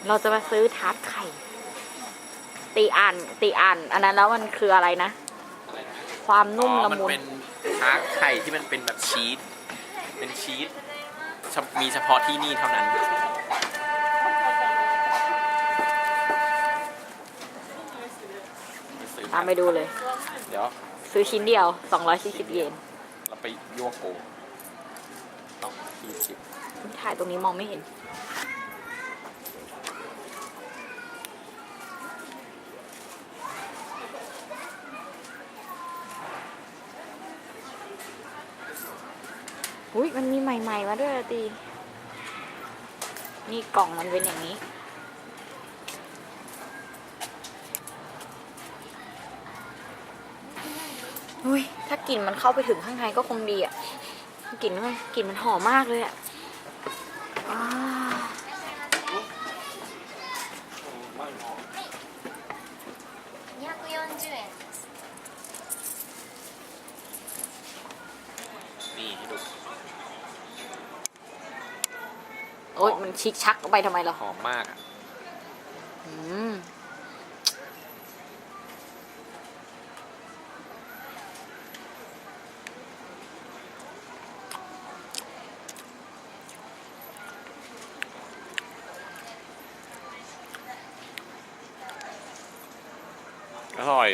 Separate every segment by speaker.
Speaker 1: เราจะมาซื้อทาร์ตไข่ตีอ่านอันนั้นแล้วมันคืออะไรนะความนุ่มละมุน
Speaker 2: มันเป็นทาร์ตไข่ที่มันเป็นแบบชีสเป็นชีสมีเฉพาะที่นี่เท่านั้น
Speaker 1: ตามไปดูเลย
Speaker 2: เดี๋ยว
Speaker 1: ซื้อชิ้นเดียว240 เยน
Speaker 2: เราไปยั่วโก220
Speaker 1: ถ่ายตรงนี้มองไม่เห็นอุ้ยมันมีใหม่ๆมาด้วยตีนี่กล่องมันเป็นอย่างนี้อุ้ยถ้ากลิ่นมันเข้าไปถึงข้างในก็คงดีอ่ะกลิ่นมันหอมมากเลยอ่ะ
Speaker 2: นี่ให้ดู
Speaker 1: โอ๊ยมันชิกชักไปทำไมล่ะ
Speaker 2: หอมมากอ่ะอร่อย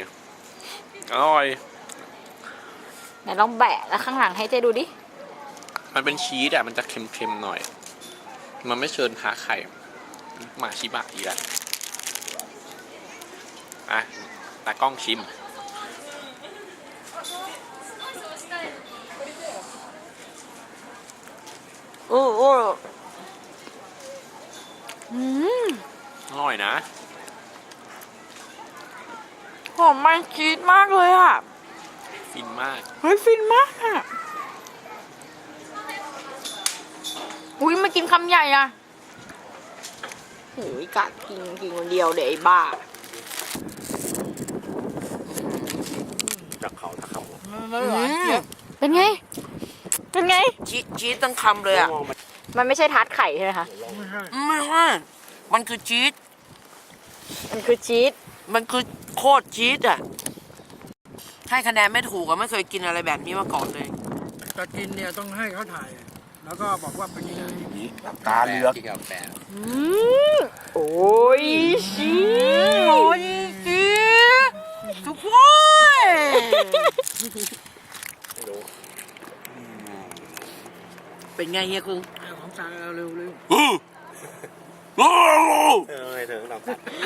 Speaker 1: ไหนลองแบะแล้วข้างหลังให้เจ๊ดูดิ
Speaker 2: มันเป็นชีสอ่ะมันจะเค็มๆหน่อยมันไม่เชิญทาไข่หมาชิบะอีกแล้วอ่ะตากล้องชิม
Speaker 1: โอ้
Speaker 2: อร่อยนะ
Speaker 1: หอมมันชีสมากเลยอ่ะ
Speaker 2: ฟินมาก
Speaker 1: เฮ้ยฟินมากอ่ะอุ้ยมากินคำใหญ่อ่ะโอ้ยกะกินคนเดียวเดี๋ยวไอ้บ้า
Speaker 2: จากเขาตะเขา
Speaker 1: เป็นไง
Speaker 3: ชีสตั้งคำเลยอ่ะ
Speaker 1: มันไม่ใช่ทาร์ตไข่ใช่ไหมคะ
Speaker 3: ไม่ใช่มันคือชีส
Speaker 1: มันคือชีส
Speaker 3: มันคือโคตรชีสอ่ะให้คะแนนไม่ถูกอ่ะไม่เคยกินอะไรแบบนี้มาก่อนเลย
Speaker 4: จะกินเนี่ยต้องให้เขาถ่ายแล้วก็บอกว่าเป็นยังไง
Speaker 2: ตาเหลือกที่กับแฟน
Speaker 1: โอ้ยชี
Speaker 3: โอ้ยชีสทุกคนเป็นไงเฮียคุง
Speaker 4: ของสั่งเร็ว
Speaker 2: ไม่ถึงหรอก